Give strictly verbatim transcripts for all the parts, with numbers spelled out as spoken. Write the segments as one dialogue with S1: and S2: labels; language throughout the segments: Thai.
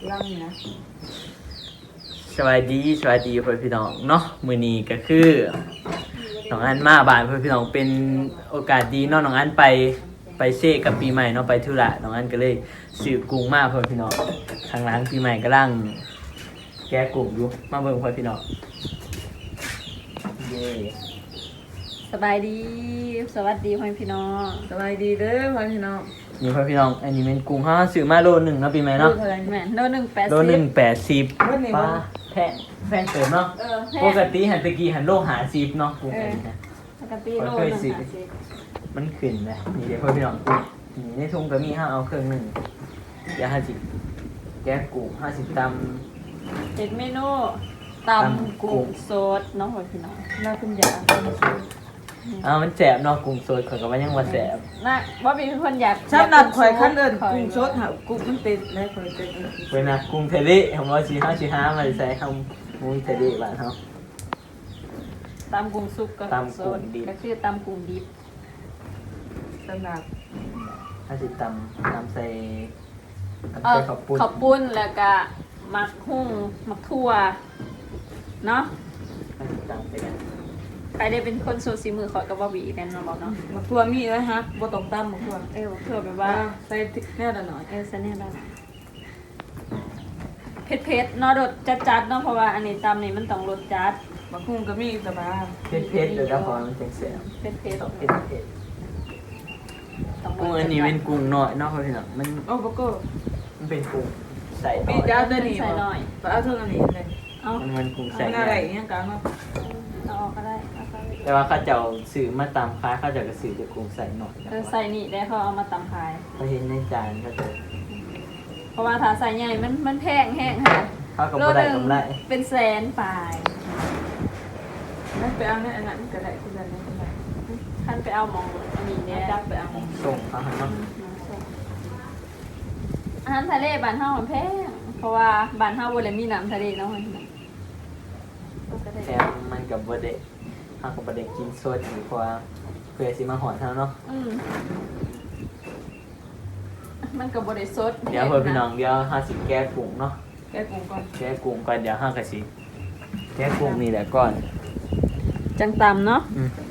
S1: ร่างนะ
S2: สวัสดีสวัสดีเพื่อนพี่น้องเนาะมื้อนี้ก็คือน้องอันมาบ้านเพื่อนพี่น้องเป็นโอกาสดีเนาะน้องอันไปไปเซ่กับปีใหม่เนาะไปธุระน้องอันก็เลยซื้อกุ้งมาเพื่อนพี่น้องข้างหลังปีใหม่กำลังแกะกุ้งอยู่มาเบิ่งเพื่อนพี่น้องเย้
S3: สบายดีสวัสดีพ่อพี่น้อง
S1: สบายดีเด้อพ่อพี่น้อง
S2: นี่เพื่อนพี่น้องอันนี้เป็นกุ้งห้าซื้อมาโลหนึ่งเนาะปีใหม่เนาะ
S3: แม่โลหนึ่งแปด
S2: โล
S3: สิบ
S2: หนึ่งแปดสิบ
S1: วันนี้
S2: ป้า
S1: วัน
S2: แพงแพงเติมเนาะ
S3: เออแพ
S2: ป
S3: ง
S2: กติหันตะกี้หันโลหาสิบเนาะกุ้งอันนี้นะ
S3: ปกติโลหนึ่งห้าสิบ
S2: มันขึ้นเลยนี่เดี๋ยวเพื่อนพี่น้องกุ้งนี่ในทุ่งก็มีห้าเอาเครื่องหนึ่งเดี๋ยวห้าสิบแกะกุ้งห้าสิบต
S3: เจ็ดเมนูตำกุ้งสดน้องพ่อพี่น้อง
S1: น่าคุณยา
S2: ำอ้าวมันแสบเนาะกุ้งสดข่อยก็ว่ายังว่าแสบ
S3: น่าว่ามีคนอยาก
S1: สำหรับข่อยขั้นเดินกุ้งสดหากุ้งมันเป็นได้ข่อยเป็น
S2: เว้ยนะกุ้งเทเลของเราสี่ห้าสี่ห้ามาใส่คำมุ้ยเทเลบ้านเขา
S3: ตำกุ้งสุกก็
S2: ตำกุ้งดิบ
S3: ก็คือตำกุ้งดิบ
S1: สำหรับ
S2: ห้าสิบตำตำใส่ตำ
S3: เอ
S2: ใส่
S3: อ
S2: ข้าวปุ้น
S3: ข้าวปุ้นแล้วก็หมักหุ้งหมักทั่วเนาะ
S2: ห้าสิบตำใส่กัน
S3: ใครได้เป็นคนโซซีมือขอยกับว่าบีแน่นอนบอกเนาะ
S1: มะทั่วมีนะฮะบ่ต้องตำมะทั่ว
S3: เออเพื่อแบบ
S1: ว่า
S3: ว่า
S1: ใส่แน่ละหน่อย
S3: เออเสน่ห์ได้เผ็ดเผ็ดๆเนาะรสจัดจัดๆเนาะเพราะว่าอันนี้ตำนี่มันต้องรสจัด
S1: บางคุ้งก็มีสบาย
S2: เผ็ดเผ็ดๆเลยแล้วพอมันจังแสบ
S3: เผ็ดเผ็ด
S2: ต้องเผ็ดเผ็ด
S3: ต้องรส
S2: กุ้งอันนี้เป็นกุ้งน้อยเนาะเพื่อนพี่น้องมัน
S1: โอ้บก็
S2: มันเป็นกุ้งใส่น้
S1: ปี
S2: อย
S1: จ้าตัวนี้ไปเอาเท่านี้เลย
S3: เอา
S2: มันมันกุ้งใส่
S1: มัน
S2: ให
S1: อะไร
S2: ญ่
S1: อย่างกันเนาะ
S3: เอาออกก็ได้เอาไป
S2: แต่ว่าเขาจะเอาสื่อมาตามค้าเขาจะกระสือจะกุ้งใส่หน่อย
S3: เออใส่นี่ได้เขาเอามาตำขาย
S2: เขาเห็นในจานเขาจะ
S3: เพราะว่าถ้าใส่ใหญ่มันมันแพงแห้งค่ะ
S2: เขาก็บ่ได้กำไร
S3: เป็นแสนปลาย
S1: นั่นไปเอาเนี่ยอันนั้นก็ได้ที่นั่นนี่ก็ได้
S3: ท่านไปเอาหมองอันนี้เนี่ย
S1: จับไปเอา
S2: ส่งเขาให้เนาะ
S3: อาหารทะเลบ้านเฮามันแพงเพราะว่าบ้านเฮาบ่ได้มีน้ำทะเลเนาะมันก็ได้
S2: แต่มันกับบเดเขากับบเดกินสดอยู่เพราะว่าเพื่อสิมาหอนเท่าเนาะ
S3: อืมมันก็บ่ได้สด
S2: เดี๋ยวเพื่อนพี่น้องเดี๋ยวห้าสิบแก้กุ้งเนาะ
S1: แกกุ้งก่อน
S2: แก้กุ้งก่อนเดี๋ยวห้ากระสิแก้กุ้งนี่แหละก่อน
S3: จังตำเนาะ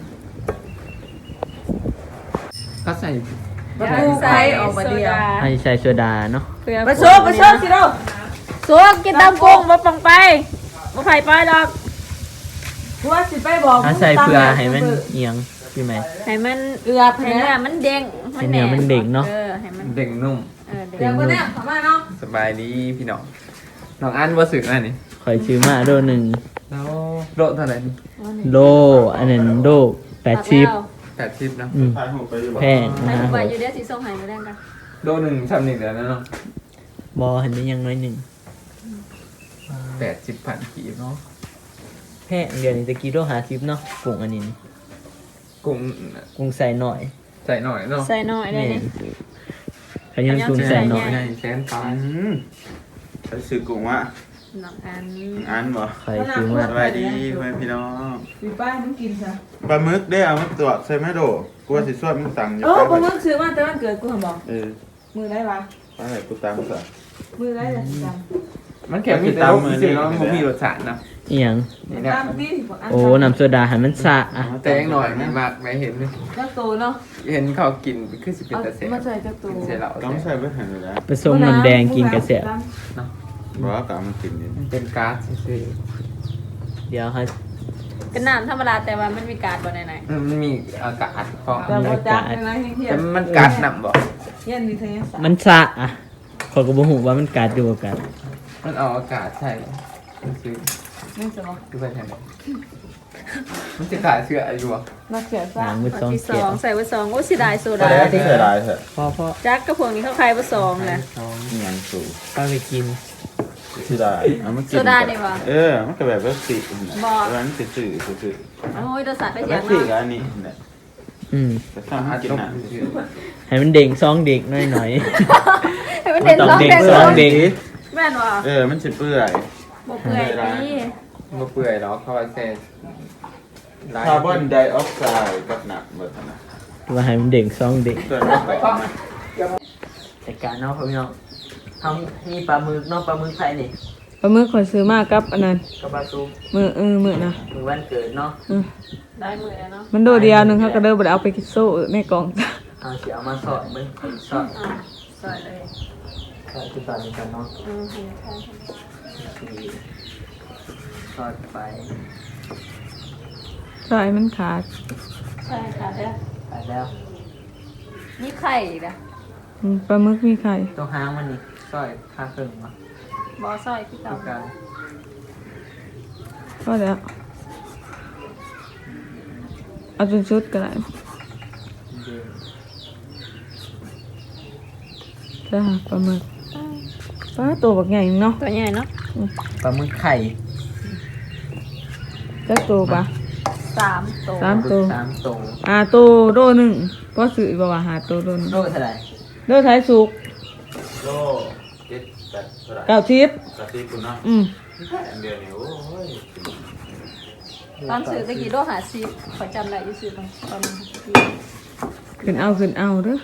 S2: ก็ใส่
S1: บางคุ้งใส่ออกมาเดียว
S2: ให้ใส่โซดาเนาะ
S1: ไปโชว์ไปโชว์สิเรา
S3: สวกกินตำกุ้งบ่ปังไปบ่ไผไปดอก
S1: หัวสิไปบอก
S2: ถ้าใส่เพื่อให้มันเอียงพี่ไหม
S3: ให้มัน
S1: เอือบ
S3: ให้
S1: แพ้
S3: เนื้อมันเด้ง
S2: ให้เนื้อมันเด้งเนาะ
S3: เออให้มัน
S4: เด็กนุ่ม
S3: เออ
S1: เดี๋
S3: เด้
S1: ยว
S3: ง
S1: คนเนี้ยทำไมเนาะ
S4: สบายดีพี่น้องน้องอันว่าสึกอันนี้
S2: คอยซื้อมาโดหนึ่ง
S4: แล้วโลเท่าไหร่นี่
S2: โลอันนั้นโลแปดสิบ
S4: แปดสิบนะ
S2: อืมแพง
S3: ให้
S2: นะ
S3: ผู้
S2: ค
S3: ใบ
S2: รับ
S3: อยู่เด้อสิส่งให้มื้อแรงกัน
S4: โลหนึ่งทำหนึ่งเดือนแล้วเนาะ
S2: บอเห็นได้ยังน้อยหนึ่ง
S4: แปดสิบพันกีบเนาะ
S2: แพงเดี๋ยวนี้ตะกี้โลหาสิบเนาะกุ้งอันนี้
S4: กุ้ง
S2: กุ้งใส่หน่อย
S4: ใส่หน่อยเนาะ
S3: ใส่น้อยได้
S2: แม่
S3: นี่
S2: ขยันกุ้งใส่หน่อย
S4: ใช่แสนปลาย
S5: อืมใช้สื่อกุ้งวะ
S3: น้องอัน
S5: อันบ่
S2: ใครซื้อมา
S5: สบายดีเพื่อนพี่น้อง
S1: สีป้ายมันกินซะ
S5: ปลาหมึกได้เอามาตรวจใส่ไหมโดกลัวสิสวดมึงสั่งอยู่
S1: เออ
S5: ไป
S1: ผมมึงซื้อมาแต่วันเกิดกูเหรอบอก
S5: เออ
S1: มือได้ปะ
S5: ไปให้กูตามซะ
S1: มือได้เลยจ
S4: มันแข็งมีแต่รสจริงๆแล้วมันมีรสชาตินะ
S2: อีหยัง
S4: นี่
S1: ำ
S4: นะ
S1: ตามที่ที่ผมอ่าน
S2: โอ้น้ำโซดาหันมันสะอ่ะ
S4: แต่ยังหน่อยมีมากไหมเห็นไหม
S1: เจ้าตัวเนาะ
S4: เห็นเขากินคือสิเป็นตะเส
S1: มาใส่เจ้าตัว
S4: เสเหล่า
S5: ต้องใส่ไปให้เลยนะ
S2: ผสมน้ำแดงกินกระเสีย
S5: บอกว่ากะมันกินนี่
S4: มันเป็นก๊าซซื่อ
S2: เดี๋ยวให้
S3: เป็นน้ำธรรมดาแต่ว่ามันมีการบ่ไหน
S4: ๆมันมีอากาศเพราะ
S1: แต่ว่าจักนะเฮีย
S4: แต่มันกัดหนำบ่
S1: เฮียนี่เทียน
S2: มันสะอ่ะขอยก็บ่ฮู้ว่ามันกัดอยู่บ่กัด
S4: มันเอาอากาศใช่ซื้อ
S1: นี่สมอง
S4: คือไปทางไหนมันจะขาดเชื้ออะไรอยู่วะ
S1: นักเสีย
S2: ห
S1: ซ่า
S2: ลังมือ
S3: ๆ
S2: สอง
S3: ที่ส
S2: เกีย
S3: อ
S2: ว
S3: งใส่ไว้สองโอ้เสิได้โซ
S5: แต่
S3: ดา
S5: แล้วที่เสียดายเถอะ
S2: พอพอ
S3: จักกระพวกนี้เขาขายไว้สองแหละ
S5: อิหยังสูง
S2: ป้าไปกิน
S5: เสียดายเอามากิน
S3: โซดานี่วะ
S5: เออมันก็แบบว่าสินะ
S3: บ่
S5: ร้านสื่อสื่อสื่อ
S3: โอ้ยรสชาติไป
S5: แล้
S3: เสี
S5: วย
S3: ง
S5: สิ
S3: เนาะ
S5: กับอันนี้เนี่ย
S2: อืม
S5: แต่ถ้ามันกินน่ะ
S2: ให้มันเด้งซองเด็กหน่อย
S3: ให้มันเด่น
S2: มัน
S3: ส
S2: ต้
S3: อ
S2: อง งเด้
S3: เด่
S2: ง
S3: น
S2: ซ
S3: ส
S2: อ
S3: อง ง
S2: เด็ก
S3: แม่นว่ะ
S5: เออมันสิเปื่อย
S3: บ่เปื่อยนี่
S4: มาเปื่อยแล้วเขาว่าแซ่
S5: คาร์บอนไดออกไซด์กับหนักหมดนะ
S2: ว่าให้มันเด้งซองเด็ก
S5: ส่วนประกอบนะ
S2: แต่การเนาะพี่น้องทำมีปลาหมึกเนาะปลาหมึกไทยนี่
S1: ปลาหมึกข่อยซื้อมากับอันนั้น
S2: กับปลาซุป
S1: มือเออมือนะ
S2: มือวันเกิดเนาะ
S1: เออ
S3: ได้มือแล้วเนาะ
S1: มันโดดเดียวหนึงเขาก็เดินบ่ได้เอาไปกินโซ่ในกล่อง
S2: เอาสิเอามาสอดเบิ่งสอด
S3: อ่ะใส่เลย
S2: สอดคือตอนนี้กันเนาะ
S3: อืมเห็นค่ะ
S2: นี่สอดไป
S1: ใช่มันขาด
S3: ใช่ค่ะเด้อ
S2: ไปแล้ว
S3: มีไข่อีกนะ
S1: อืมปลาหมึกมีไข่
S2: ตรงหางมันนี่สอยค่าเครื่องมา
S3: บอสร้อยพี่
S2: ต้
S3: เต่า
S2: องการ
S1: ก็แล้วเอาจนชุดก็ได้
S2: เดิน
S1: จ้าปลาหมึกปลาตัวบักใหญ่เนาะ
S3: ตัวใหญ่เนาะ
S2: ปลาหมึกไข่
S1: จักตัวปะ
S3: สามตัว
S1: สามตัว
S2: สามตัว
S1: อ่าตัวโดหนึ่งเพราะสื่อบอกว่าหาตัวโดหนึ่ง
S2: โลเท่าไหร่
S1: โดไทยสุก
S5: โลเจ็ดแปดเท่าไหร่
S1: เก้าทิพย์
S5: สติคุณเนาะ
S1: อืม
S5: อันเดียวนี่โอ้ย
S3: ตอนซื้อตะกี้โลหะซีขอจำได้อยู่ซื้อตอนตอนนั้น
S1: ขึ้นเอาขึ้นเอาเด้อ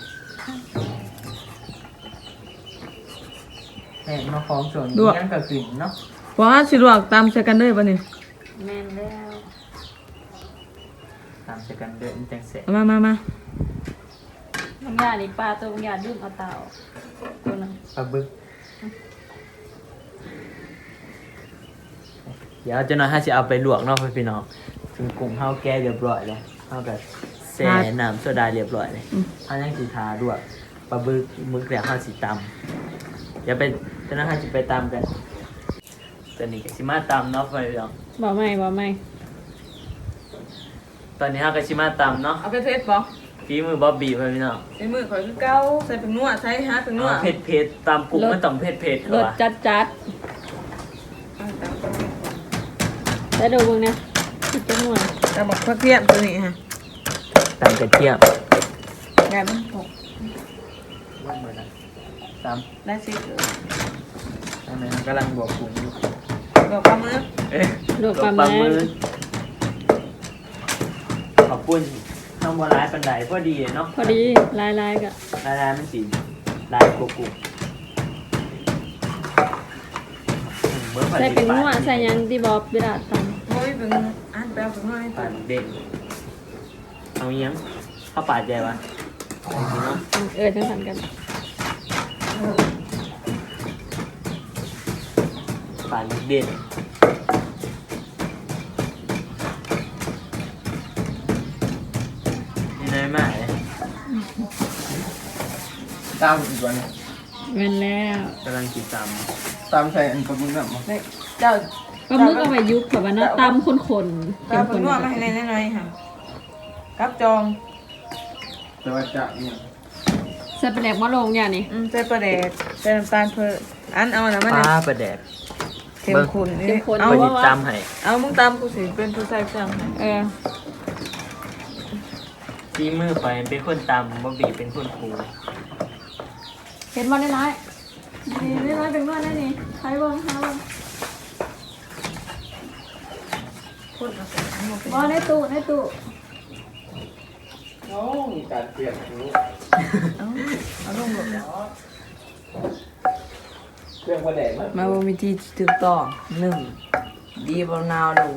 S2: แม่มาฟ้องส่วนยังกับสิ่งเนาะ
S1: ว่าสิลวกตามใส่กันเด้อปะนี่
S3: แม่นแล้ว
S2: ตามจะกันเดินจังเสร็จ
S1: เอามามามา
S3: บางอย่างนี่ปลาตัวบางอย่างดื่มเอาเต่าตัวนึง
S2: ปลาบึกเดี๋ยวเจะน้อยห้าจะเอาไปลวกเนาะพี่น้องถึงกุ้งเฮาแก้เรียบร้อยแล้วเฮากับแช่น้ำโซดาเรียบร้อยเลยเฮายังสีทาด้วยปลาบึกมึกแล้วเฮาสีตำเดี๋ยวไปเจะน้อยห้าจะไปตำกันตอนนี้ก็สิมาตำเนาะพี่น้อง
S3: บอกไม่บอกไม่
S2: ตอนนี้เฮาก็สิมาตำเนาะ
S1: เอาไปเทสบ่
S2: ฝีมือบ๊อบบี้พี่น้อง
S1: ใส่มือข่อยคือเก้าใส่เป็นนัวใส่ฮะเป็นนัว
S2: เอาเผ็ดเผ็ดๆตำกุ้งมันต้องเผ็ดเผ็ดๆ
S3: ร
S2: เขา
S3: ส
S2: ว่า
S3: จัดจัดแล้วดูมึงเนี่ยคิดจะหน่วย
S1: แต่บอกพักเทียมตัวนี้ฮะ
S2: ตำกระเทียม
S1: แกมันหก
S2: ว่าเหมือนนะตำ
S1: ได้สิ
S2: อันนั้นกำลังบวกกุ้งอยู่
S1: บอกปลาหมึก
S2: เอ๊ะ
S3: ลวกปลาหมึก
S2: มือขอบคุณน้องบัวร้ายปันไดพอดีเนาะ
S3: พอดีลายลายๆกะ
S2: ลายลายมันสีลายกุกกุกเมื่อผ่าน
S3: ใส่เป็นนัว
S2: ปา
S3: ใส่หยังที่บอบเวลาท
S1: โอ้ยเป็นอันแปลเป็นนัวให้
S2: ปานเด็กเอาเงี้ยงเข้าปาดใจวะเอาจริงเนาะ
S3: ำเออจังสันกัน
S2: ปาดเด็ดนี่ได้ไหม
S4: ตามอีกวัน
S3: แม่นแล้ว
S2: กำลังกินต
S4: ตามใส่อันปลาบึกน่ะมา
S1: เจ้า
S3: ปลาหมึกเอาไปยุบแบบว่าเนาะตำข้นๆ
S1: เจ้า
S3: เข้
S1: เป็น
S3: ม
S1: นัว
S3: ข้น
S1: มาให้ในน้อยๆค่ะกับจอง
S4: แต่ว่าจะเนี่ย
S3: ใส่เป็นแหลกมะลงอย่างนี้
S1: อืมใส่ปลาแดกใส่น้ำตาลเพิ่มอันเอาอันนั้น
S2: ำ
S1: มา
S2: ป
S1: เนี่
S2: ลาย ประแดก
S1: เข้มข้นนี่
S3: เข้มข้น
S1: เอา
S2: พอดีจำให้
S1: เอามึงตามกูสิเป็นผู้ใส่เครื่องให้
S3: เออ
S2: ซีมือไปเป็นคนตำบ๊อบบี้เป็นคนครู
S3: เห็นบอลได้ร้ายนี่ได้ร้ายเป็นว่าได้นี่ใช้บ้างใช้บ้าง
S1: พูดเอาสิเอามาเป็น
S3: บอลในตู้ในตู้
S4: โอ้มีการเปลี่ยนรู้
S1: เอาเอาลงหลบแล้ว
S4: เครื่องประแดกมัน
S1: มาบ่มีที่ถูกต้องหนึ่งดีบ่นาวลง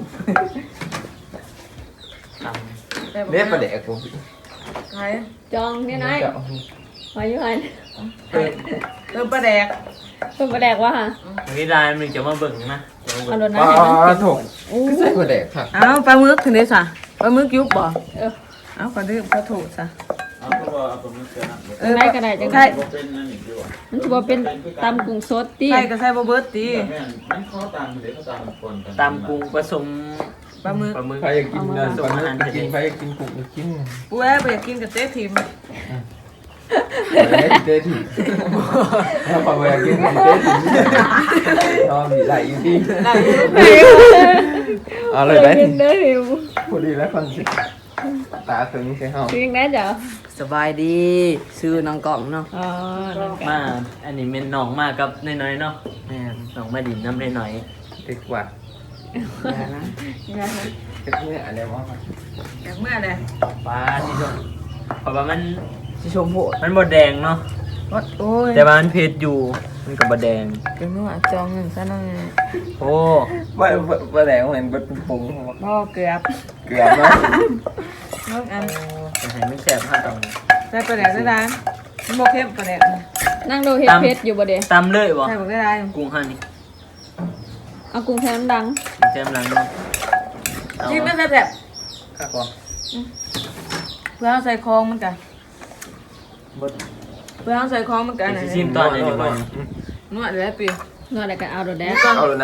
S2: ตำ
S4: เรียกประแดกกู
S1: ใคร
S3: จองนี่นายมาอยู่หัน
S2: เพิ่ม
S1: เติมปลาแดก
S3: เป็นประแดกว่าฮะ
S2: วันนี้ไลน์มันจะมาเบิ่งนะจะมา
S3: เอา
S2: เบิ่ง
S3: โดน
S4: อ๋
S3: น้ำให้มัน
S4: อถูกก็ใส่ประแดกค่ะ
S1: เอาปลาหมึกถึงได้ซะปลาหมึกยุบบ่
S3: เออ
S1: เอาก็ดื่มก็ถูกซะ
S5: เอาเพราะว่าเอาปลาหมึกเจอนะ
S1: เออ
S3: ได้ก็ได้จัง
S1: ใช่
S5: บ่เป็นนั่นอีกดีกว่า
S3: มันถือว่าเป็นตำกุ้งสดตี
S1: ใช่ก็ใส่บ่เบิดตี
S5: แต่แม่นมันเขาตามเดี๋ยวเขาตามคนกัน
S2: ตำกุ้งผสม
S1: ปลาหมึก
S2: ปลาหมึก
S4: ใครอยากกินเงินปลาหมึกกินใครอยากกินกุ้งกิน
S1: กูแอบไปอยากกินกับเจ๊ทิม
S4: เฮ้ยเจ๊ถีถ้าพออยากกินกุ้งเจ๊ถีชอบมีไหลอยู่ที่
S1: ได้อยู่
S4: เอาเลยได้
S3: เป็นเด้อหิว
S4: พอดีแล้วคนสิตาถึงใช่ห้อง
S3: จริงนะจ๊ะ
S1: สบายดีซื้อน้องกล่องเนาะ
S3: อ๋อนั่นกัน
S2: มาอันนี้เป็นน้องมากับน้อยๆเนาะ
S1: แม่น
S2: น้องมาดินน้ำน้อย
S4: ดีกว่า
S1: อย่านะอย่านะ
S4: จะเพื่ออะไรวะ
S1: อยากเมื่อใด
S2: ๆปลาที่ชมเพราะว่ามัน
S1: สิชมโหด
S2: มันบดแดงเนาะ
S1: โอ้ย
S2: แต่ว่ามันเผ็ดอยู่มันกับบะแดง
S1: เป็นหัวจองหนึ่งซะหน่อย
S2: โอ้
S4: ว่าว่าแหลงเหมือนเป็นปรุง
S1: พ่อเกือบ
S4: เกลือเนาะ
S1: น้องอัน
S2: อาหารไม่แสบห้าตอง
S1: ใส่ปลาแดกได้ร้านมันโมเข้มปลาแดก
S3: นั่งดูเฮ็ดเพชรอยู่บ่เด้
S2: ตำเลยบ่
S1: ใส่บอกได้ร้าน
S2: กุ้งหั่นนี่
S3: เอากุ้งแท้น้ำดัง
S2: แจมหลังเนาะเอา
S1: ชิมไม่ใส่แบบ
S2: ข้าวกล่อง
S1: เพื่อเอาใส่คองมันกัน
S2: บด
S1: เพื่อเอาใส่คองมันกัน
S2: สิชิมตอนนี้ดีกว่า
S1: นวดเลยปี
S3: นวดอะไรกันเอาโดดแดด
S4: เอาเลยนะ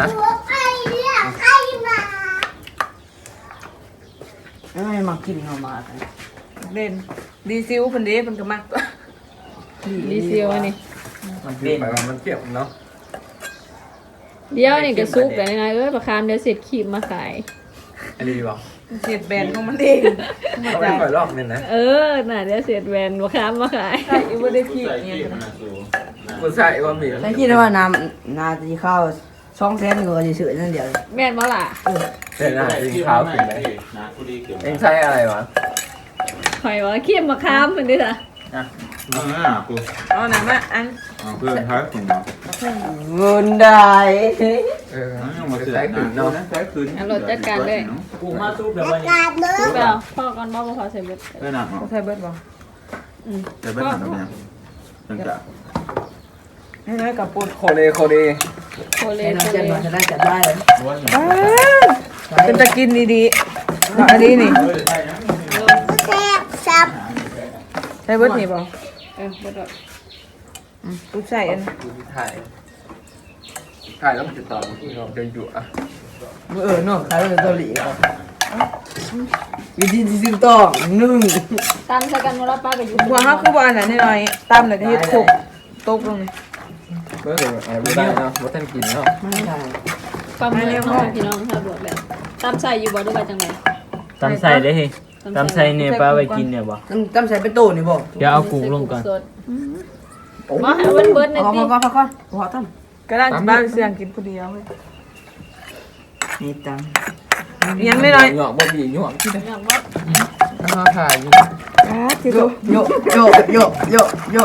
S1: ไม่มากินเอามากันเด่นดีซิวเพิ่นเด้เพิ่นก็มักตัว
S3: ดีเซียวอันนี้
S2: มัน
S4: เป็
S2: เป็น น
S4: ไปมันเก็บเนาะ
S3: เดี๋ยวนี่ก็ซุกแต่นายเอ้ยประคามเดี๋ยวเสร็จขีบมาขาย
S2: อันนี้บอก
S1: เสียดแบนของมันเองมา
S4: เขาไม่
S1: จ่าย
S4: ค่อยลอกเนี่ยนะ
S3: เออน่ะเดี๋ยวเสร็จแวนประคามมาขาย
S1: ใช่อีว่าได้ขี้
S5: ใส่
S1: เนี่ย
S5: ขี้มันนะสู
S4: กูใส่ว่ามี
S6: แต่คิดว่าน้ำนาจะเข้าช่องแสนก็จะเฉยๆนั่นเดียว
S3: แม่นบ่ล่ะ
S4: เส้นอาหารกินข้าวกินไหม
S5: นะผู้ดีเกี่ยว
S4: เองใส่อะไรวะ
S3: ข่อยว่าขีบมาคามมันดิล่ะ
S5: เออกู
S1: เอาหน่ะมาอัน
S5: เอาเพื่อนท้ายถุงเนาะ
S6: เงินได้
S4: เออ
S5: ยังมาเสือ
S4: ใส่
S5: ห
S4: ขึ้น
S5: นา
S4: เนาะ
S5: ใส่คืน
S2: กุ้งมาซุปแบบว่า
S3: ซุกไปเอาพ่อก่อนบ่บ่ขอใส่เบิด
S5: เออหนัก
S1: เขาใส่เบิดบ่
S3: อืม
S5: จะเป็นหนักแบบนี้ตั้งแต่
S1: ให้น้อยกับปุ่น
S4: โคเลโคเล
S3: โคเล
S6: ไอ้
S3: โค
S6: น้อง
S3: เล
S6: เจนมาจะได้จัดได้เลย
S5: ว่าอย่าง
S1: เป็นตะกินดีๆเอาอันนี้นี่
S5: เฮ้ยได้ยัง
S1: ใส่เบิดนี่บ่
S3: เออเบิดดอก
S1: อืมกูใส่อัน
S4: ถ่ายถ่ายแล้วมันจะต่อที่เราจะอยู่อ่ะ
S6: เออเนาะขายเป็นเกาหลีครับวิธีที่ซึ่งต้องหนึ่ง
S3: ตันใส่กันบ่ละป้าก็อยู่
S1: บัวเฮาคือบ่อันนั้นน้อยๆตำแล้วก็เฮ็ดโคกตกลงนี่
S4: เมื่อไหร่ไม่ได้เนาะว่าท่านกินเนาะ
S6: ไม่ใช่
S3: ปลาหมึกเนาะพี่น้องถ้าบวกแบบตามใส่อยู่บ่หรือว่าจังได๋
S2: ตำใส่ได้เฮ้ยตำใส่เนี่ยป้าไปกินเนี่ยบ่
S6: น้ำจำใส่เป็นตู้นี่บอก
S2: เดี๋ยวเอากุ้งลงก่อน
S3: สดมาให้เบิดเบิดใน
S6: พอ
S3: ติ
S6: พอพอพอพอตั้ม
S1: ก็ได้บ้านเสียงกินผู้เดียวเว้ย
S6: นี่ตัง
S1: ยังไม่น้อย
S4: หยอกบ่บีหยอกที่ไหน
S3: อย่างบ่
S4: มาถ่ายอยู่
S1: อ่าที่
S6: โย
S1: ดู
S6: โยโยโยโยโย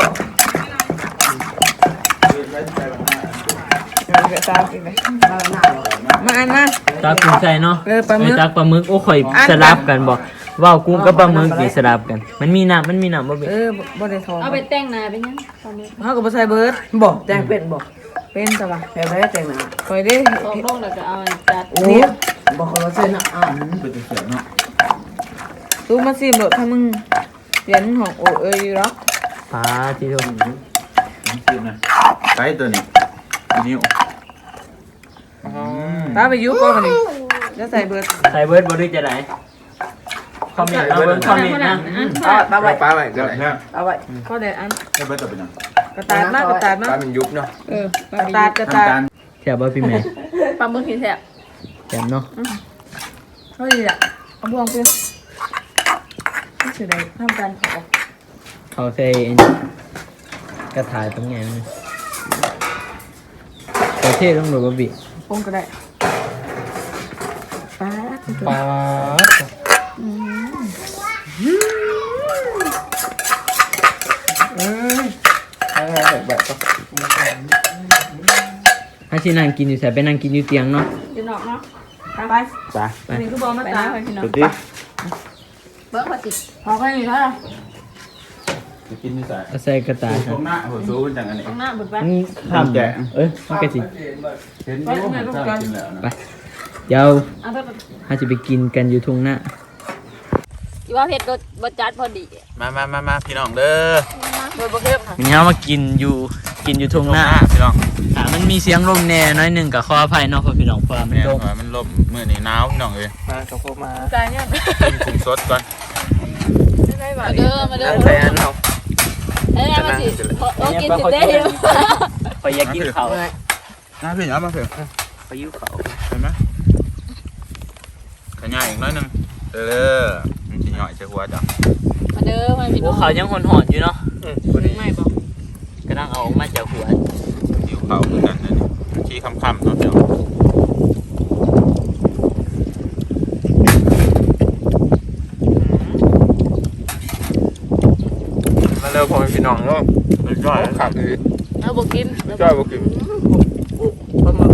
S5: ได้ใส่แบบนั้น
S1: เดี๋ยวจะตามอีกเลย
S6: มาหน้าหรอ
S1: มาอันมา
S2: ตักกุ้งใส่เนาะ
S1: เออปลาหมึก
S2: ตักปลาหมึกโอ้ข่อยสลับกันบ่ว่าวกุ้งกับปลาหมึกนี่สลับกัน มันมีน้ำมันมีน้ำบ่เบ็ด
S1: เออบ่บ่ได้ทอง
S3: เอาไปแต่งหน้าเป็นยังปลาหมึก
S1: เฮาก็บ่ใส่เบิด
S6: บอกแจงเป็นบอก
S1: เป็นซะว่ะ
S6: แถวไหนแจงหนา
S1: คอยเด้
S3: ตอกลงแล้วก็เอาจัด
S6: โอ้บอกเขาว่าเส้นอ่ะ
S5: เป็นเสียงเนาะ
S1: ตู้มาซิมโดดถ้ามึงเปลี่ยนห้องโอเอ้ยอยู่หรอก
S2: ปลาที่โดน
S5: น้ำซีมนะใส่ตัวนี้นิ้ว
S1: ตาไปอยู่ก่อนบัดนี้จะใส่เบิด
S2: ใส่เบิร์ดบ่ได้จะไหนคอมเมนต์เอาเบิ่งคอมเมนต์นะ
S6: เอาปลาไว้
S4: ป้าไว้ก็
S5: แบบ
S4: ได้
S5: นี้
S6: เอาไว้
S1: ก็ได้อัน
S5: ได้เบิร์ตเป็นยัง
S1: กระตาดมากกระตาดมา
S4: ป้าก มันยุบเนาะ
S3: เออก
S1: ระตาดกระตาด
S5: ทำการ
S2: แซ่บบ่พี่แม่
S3: ปลาหมึกที่แซ่บ
S2: แซ่บเนาะ
S1: เฮ้ยอ่ะเอาบ่วงไปนี่สิได้ทำการเผา
S2: เขาใส่อันนี้กระถายตรงไหนมันประเทศต้องดูบ่บิ
S1: ปงก็ได้ปลา
S2: ปลาถ้าสินั่งกินอยู่ใส่ไปนั่งกินอยู่เตียงเนาะ
S3: อยู่นอกเนาะ
S1: ไป
S2: ไป
S1: อันนี้คือบอกมา
S3: ไป
S1: ตา
S3: นะพี่น้อง
S5: สุดดิ
S3: เบิ่งว่าติ
S1: พอแค่นี้เท่าไหร่
S5: จะกินที่ใส่
S2: เอาใส่กระต่ายค
S5: ต
S2: รั
S5: ร
S2: บ
S5: งหน้าหัวซูเป็นจังอันนี้
S3: ตรงหน้าเบิดไป
S2: มันทำ
S5: แกะ
S2: เอ้ยมันก็สิ
S5: เห็นรู้มันชอบกินแล้วนะ
S2: ไปเดี๋ยว
S3: เอาเถอะ
S2: เราจะไปกินกันอยู่ทุ่งหน้า
S3: อีว่าเผ็ดรสบ่จัดพอดี
S5: มามามามาพี่น้องเด้อ
S1: โดยประเก็บ
S2: วันนี้เรามากินอยู่กินอยู่ทุ่งหน้า
S5: พี่น้อง
S2: อ่ามันมีเสียงลมแน่น้อยหนึ่งกับขออภัยเนาะเพราะพี่น้องเพราะว่ามัน
S5: แม่
S2: ลม
S5: ว่ามันลมมื้อนี้หนาวพี่น้องเอ้ย
S4: มากับพวกมา
S1: ใจเนี่ย
S5: กินกุ้งสดก่อน
S1: ไม่ได้บ่
S3: มาเด้อมาเด้อ
S4: ใส่อันเอา
S3: เอ้ยมาสิโอ้กินสิเด้อ
S2: ไปอยากกินเขาว
S5: น้าพี่เอามาเถอะ
S2: ไปยิ้วเขาว
S5: เห็นไหมขยายอีกน้อยหนึงเด้อมันสิย่อยใส่หัวจ้ะ
S3: มาเด้อมาพี่
S2: โอ้
S3: น้อง
S2: เขายังหอนๆอยู่เนาะ
S3: ไม่บ่
S2: กำลังเอาออกมาจากหัว
S5: หิวเขาเหมือนกันนะนี่มันชี้ค่ำๆเนาะพี่น้อง
S4: มาเร็วพอเป็นพี่น้องเนาะ
S5: สุดยอด
S4: ขับเลย
S1: แล้วบอกกิน
S5: จ้อยบอกกิน
S1: ประมาณ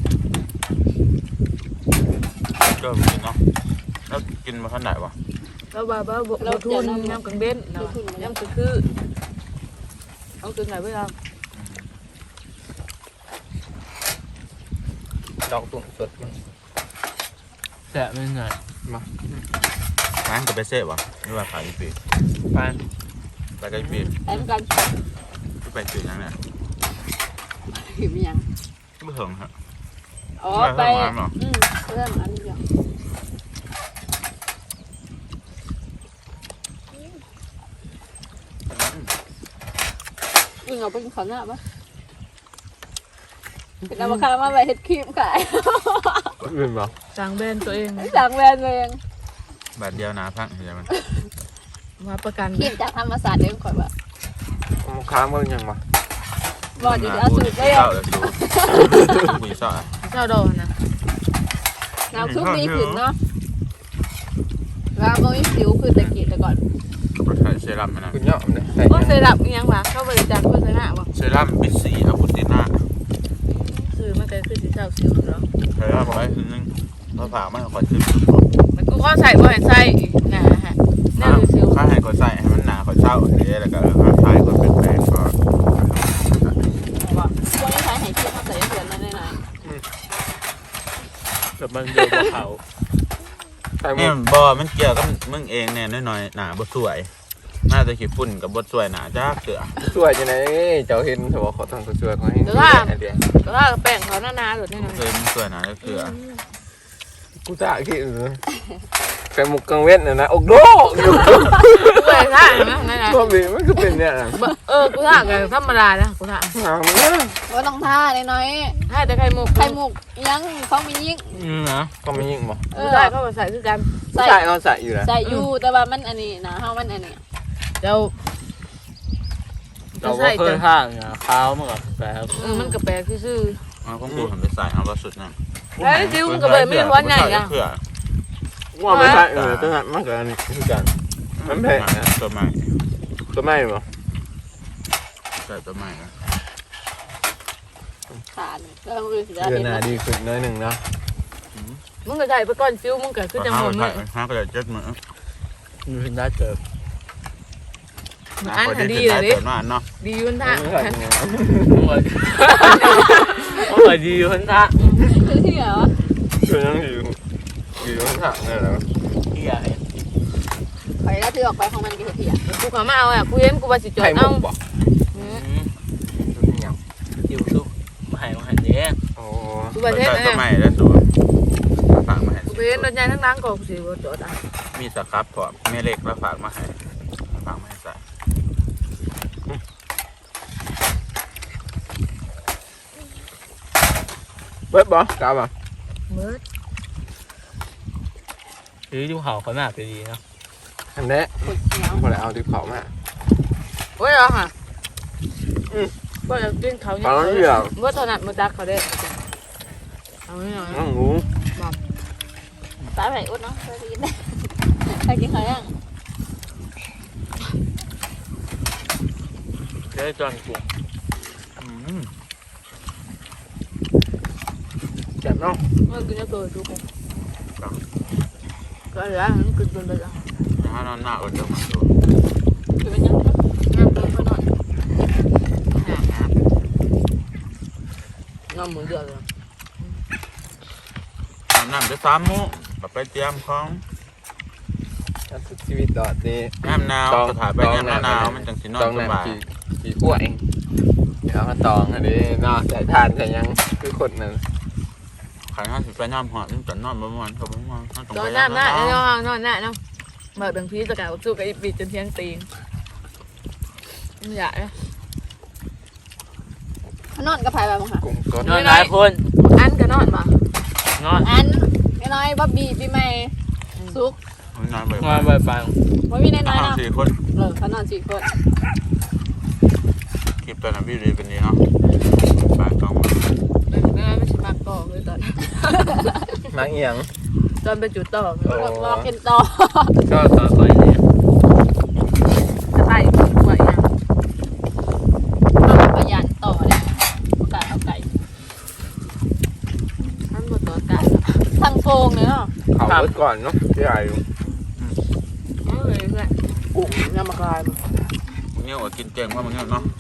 S5: จ้อยบอกกินเนาะแล้วกินมาขนาดวะ
S1: แล้วบ้าบ้าบอกเราทุนน้ำกังเบนน้ำคือคือเอาตัวไหนไปเอา
S4: ดอกตุ้งสด
S2: แสบไม่ไง
S5: ร้านกับไปเซ่บวะนี่ว่าขายอีปี
S2: ไป
S5: ไปกับอีปี
S3: แอมกัน
S5: ไปปีนั่นเนี่ย
S3: หิวยัง
S5: ไม่ถึงฮะ
S3: อ๋อไปอืมเรื่องอันนี้อย่างวิ่งเอาไปกินข้าวหน้าปะเป็นเอามาคามาไปเฮ็ดครีมขาย
S4: เป็นบ่
S1: สั่งแบรนด์ตัวเอง
S3: สั่งแบรนด์เอง
S5: บาทเดียวนะพักใช่ไหม
S1: มาประกัน
S3: ครีมจากธรรมศาสตร์เด้งก่อนว่า
S4: ค้างมันยังบ่
S3: บอกอยู่เอาสูตรได้
S5: เศร้า
S3: ยัง
S5: เลยดูคุยเศร้า
S1: เจ้าดอกนะ
S3: น้ำซุปดีขึ้นเนาะแล้วก็มีสิวคือตะกี้แต่ก่อน
S5: ก็ใช้เซรั่มนะ
S4: คุณย่อมเนี่ยใส่
S1: ก็เซรั่มยังวะเข้าบริจาคโฆษณาบ่
S5: เซรั่มบิสซีอะคูติน่า
S1: ซื้อมาแต่คือสีเจ้าซิวเนาะ
S5: เซรั่มไว้คือนึงเราผ่าไม่ค่อยขึ้น
S1: มันกูก็ใส่บ่ให้ใส่นะฮะแน่ดูซิว
S5: ข้าให้เขาใส่ให้มันหนาเขาเช่าอย่างนี้แล้วก็ข้าทายเขาเป็นแปลงก็
S3: ว่าพวกนี้ใช้ไหครีมเขาใส่เดือนนั่นหน่อย
S2: แต่มันเดียวกับเขา
S4: ใส่หม
S5: นี่
S4: ด
S5: บอมันเกี่ยวกับมึงเองเนี่ยน้อยๆหนาบดสวยน่าจะขี้ฝุ่นกับบดสวยหนาจ้าเกลือ
S4: สวยจังได๋เจ้าเห็นเถอะว่าเขาต้องสวยๆเขาให้เดียว
S1: ก็ว่าแป้งเขาหนาๆหลุดแน่นอน
S5: เคยมันสวยหนาจ้าเกลือ
S4: กูจะคิดใส่หมกกังเว้นน่ะนะอกโดอยู่
S1: กูไปท่าเห็นไหมนั่นน่ะ
S4: บ่มีมันก็เป็นเนี่ยน่ะ
S1: เออกูท่ากันธรรมดานะกูท่า
S4: หามัน
S3: ว่าต้องท่าน้อย
S1: ให้แต่ไข่มุก
S3: ๆไข่มุกยังเขามียิ่ง
S2: อืมนะ
S4: ก็ไม่ยิ่งบ่
S3: เอ
S1: กู
S3: อ
S1: ได้เข้ามาใส่คือกัน
S3: ใส่
S4: ใส่เอาใส่อยู่แล้ว
S3: ใส่อยู่แต่ว่ามันอันนี้นะเฮามันอันนี้
S1: เดี๋ยว
S2: เราก็เคยห่างอ่ะข้าวมันกับแบบ
S1: เออมันกระแปลคือซื่อ
S5: เอาของกูทำไปใส่เอาก็สุดนั่น
S1: แล้วซิวมันก็เลยไม่ร้อนใหญ่อะ
S5: เกลือ
S4: ว่าไม่ใช่เออตั้งแต่มันก็อันนี้คือกันมันแพงนะ
S5: ตัวใหม่
S4: ตัวไม่บ่
S5: ใส่ตัวใหม่นะ
S3: ขาดแล้วมันคือสิได้
S4: เดือน
S3: เห็น
S4: หน้า
S3: นะ
S4: ดีขึ้นน้อยหนึงเนาะ
S1: มึงก็ใส่ไปก่อนซิวมึงก็คือจังหวะมึ
S5: ใส่
S1: ง
S5: ห้าก็จะเจ็ดมือ
S2: มีพินได้เกิด
S1: อันหาดีเลยดิ
S5: เปิดมาเนาะ
S1: ดีมันท่า
S4: ไม่ใช่ยังไง
S2: โอ้ยโอ้ยดีคนท่า
S3: คือที่เหรอ
S4: คือยังอยู่อยู่ข้างทางนี่แหละ
S2: ที่ใหญ่
S3: ไปแล้วถือออกไปของมันก็เหี้ย
S1: กูขอมาเอาอ่ะกูเห็นกูว่าสิจอ
S4: ไข่
S1: ด
S4: หม
S1: เอา
S4: กบ่
S2: อืม
S4: ตัวนี้ยัง
S2: จิ้วซุปมาให้มาให้เด้ง
S4: โอ้
S1: กูประเทศ
S5: ใส่
S1: นะ
S5: ตัวใหม่แล้วตัวฝากมาให้
S1: กูเห็นรถใหญ่ทั้งนั้นก็กูสิบ่จอดอ่ะ
S5: มีสครับพอแม่เล็กแล้วฝากมาให้ฝากมาให้ใส่
S4: เบิดบ่กล้าบ่
S1: เมื่อ
S2: หรือดูเขาเขาหน้าไปดีเนาะ
S4: อันนี้
S3: คนเหนียว
S4: บ่ได้เอาที่เขามา
S1: โอ้ยเหรอฮะก็จะกินเขา
S4: เอาเรื่อง
S1: เมื่อตอนนั้นมาจักเขาได้เอาไม่หน่อย
S4: น้องหนู
S3: ตาไหนอุดเนาะเคยกินได้ใครกินเขายัง
S2: ได้จอนกุ้ง
S5: อืม
S4: เจ็บเนาะ
S1: เมื่อกินจะตัวทุกคนก็เหลือมันกินจนไปแล้ว
S5: ถ้านอนหน้าก็จะมาดู
S3: คือเป็นยัง
S1: น้ำเติมไปหน่อยน้ำมือเดือดเลย
S5: อาบน้ำไปสามโมงแบบไปเตรียมของ
S4: ชีวิตดอดนี่
S5: น้ำหนาวสถานไปน้ำหนาวมันจังสินอน
S4: ต้อง
S5: สบาย
S4: น้ำกี่กี่กล้วยเดี๋ยวมาตองอันนี้เนาะใส่ทานใส่ยังคือคนนั้น
S5: ขันห้าสิบไปน้ำหอดมันจะนอนประมาณเขาประมาณห้าตรง
S1: นอ
S5: ไป
S1: นน้ำหน้าเนาะนอนหน้าเนาะมาดังพีสกาวสู้กับอีปีจนเที่ยงตีนไม่อยากเลย
S3: นอนกับไผ่ไปบ้างค่ะ
S4: กุ้งสด
S2: นอนหลายคน
S1: อันก็นอนมาน
S2: อน
S3: อันน้อยบ๊อบบี้ปีใหม่ซุก
S5: นอนไป
S2: นอนไปฟัง
S3: ไม่มีน้อยๆ
S5: ห้า
S3: เนาะ
S5: สี่คน
S3: เออเขานอนสี่คน
S5: คลิปตอนนั้นพี่ดีเป็นดีเนาะบ่ายสอง
S1: ไม่ไม่ไม่ใช่มากต่อเลยตอน
S4: มาเอียง
S1: ตอนไปจุดต่อ
S4: โอ้
S3: รอกินต่อ
S2: ก็ต่อไปเนี่ย
S1: จะไต่ไหวยัง
S3: ประหยัดต่อครงเลยเนาะ
S4: เขาเบิดก่อนเนาะที่ไหนอยู่
S1: เอาเลยเพื่อน
S6: กุ้งน้ำมะขาม
S5: มึงเงี้ยว่ากินเก่งว่ามึงเงี้ยเนาะ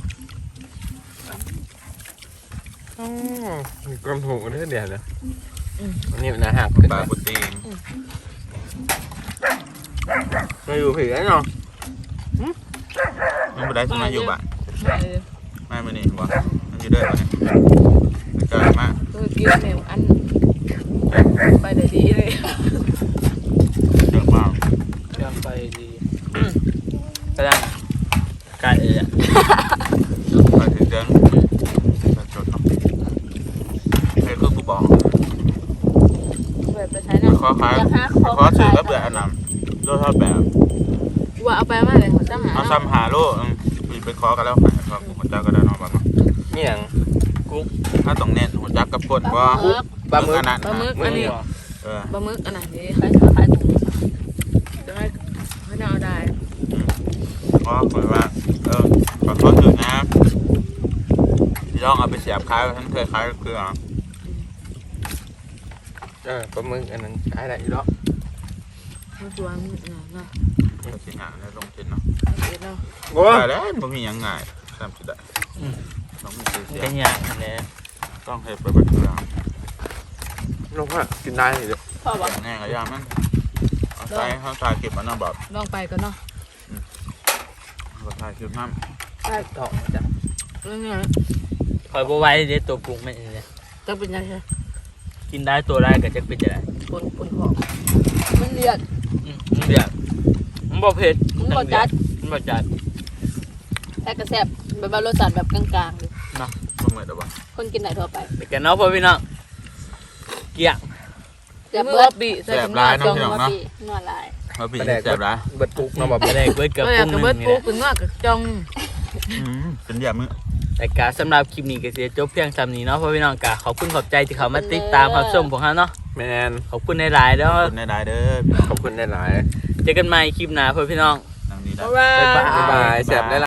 S4: อ๋อกำถูกกันเท่าเดียวเลยอันนี้มันน่าหัก
S5: ปลาโปรตีน
S4: มาอยู่ผีแล้วเนาะ
S5: มันไม่ได้สมัยอยู่บ้าน
S1: เออ
S5: ไม่มานี่บ่มันอยู่เด้อบ่เนี่ยมันเกิดมา
S1: ตัวกินแมวอันไปได้ดีเลย
S5: เยอะมาก
S2: เครื่องไปดีก็ได้กาเอ๋อะ
S5: ไปถึงเดือนจะจดเนาะเฮ้ยคือกูบอก
S1: แบบไปใช้เนาะ
S5: ขอขายขอสื่อก็เบื่ออันนั้นโลเท่าแบบ
S1: ว่าเอาไปมาเลยหัวจ้าหา
S5: เอาซ้ำหาโลมีไปขอกันแล้วขายขอหัวจักก็ได้นอนบ้าง
S4: นี่อย่าง
S5: ถ้าต้องเน้นหัวจักกับปดว่า
S4: ปลาหมึก
S5: อันนั้น
S1: ปลาหมึกอันนี้
S5: เออ
S1: ปลาหมึกอันไหนดี
S3: ขายขายถุง
S1: จะให้ให้เอาได้
S5: เพราะเหมือนว่าเออขอขอสื่อนะพี่ต้องเอาไปเสียบคล้ายฉันเคยคล้ายเครื่อง
S4: เออปลาหมึกอันนั้นขายได้อยู่แล้ว
S1: มันชวนเนาะเนาะ
S5: ก็สิหาแล้วลงทุนเนาะ
S1: เด็ดเนาะ
S4: โอ้
S5: ได้แล้วบ่มีหยังง่ายตามสิได้ต้องมีเสีย
S2: เป็นอย่างนี้
S5: ต้องให้ไปบัดเครื่อง
S4: ลงว่ากินได้เลย
S3: พ่อบอก
S5: แน่ก็ยามมันเอาใส่เขาถ่ายคลิปมันน่ะแบบ
S1: ลองไปก่อนเนาะ
S5: เขาถ่ายคลิปมัน
S2: ต่อจ้ะ
S1: เรื่องนี้
S2: คอยบไหว้เดี๋ยวตัวปรุงไม่เลย
S1: จะเป็นยังไง
S2: กินได้ตัวได้ก็จะเป็นจะได้
S1: ปนปนหอมมันเลียด
S2: อืมมันเดือดมันบ่เผ็ด
S3: มันบ่จัด
S2: มันบ่จัด
S3: แต่กระแซบแบบว่ารสชาติแบบกลางๆเลย
S5: บ่เหมือนแต่ว่า
S3: คนกินได้ทั่วไป
S2: ไปกันเนาะพ่อพี่น้องเกี่ยง
S3: เดี๋ยว
S1: มื
S3: เบิ
S1: อ
S3: ด
S1: ปีใส่
S5: แซ่บ
S1: ถุง
S5: หลาย
S1: จอง
S5: น้ำพี่น้อง
S3: มา
S5: เนาะ
S3: ปีนวดลาย
S5: ว่าพี่
S4: ปลาแดก
S5: แซ่บหลาย
S4: เบิดปุกเนาะแบบ
S2: ไม่ได้เบิดเกือบ
S1: ก็อ
S2: ปรุ
S1: ยาก
S2: ง
S1: ก
S2: ห
S1: ระ
S2: นึ
S1: เบิด
S2: งนี่แห
S1: ปู
S2: ละ
S1: ขึ้นมากกับจอง
S5: อืมเป็นอย่างมื้อ
S2: แต่กาสำหรับคลิปนี้ก็เสียจบเพียงซ้ำนี้เนาะพ่อพี่น้องกาขอบคุณขอบใจที่เขามาติดตามรับชมพวกเราเนาะ
S4: แมน
S2: ขอบคุณในหลายๆแล้ว
S5: ขอบคุณได้ๆเด้อพี่น้อง
S4: ขอบคุณหลาย
S2: เจอกันใหม่คลิปหน้าพ่อพี่น้อง
S5: นางนี้ได้
S1: บ๊ายบาย
S4: ๆบ๊ายบายแซ่บหลายๆ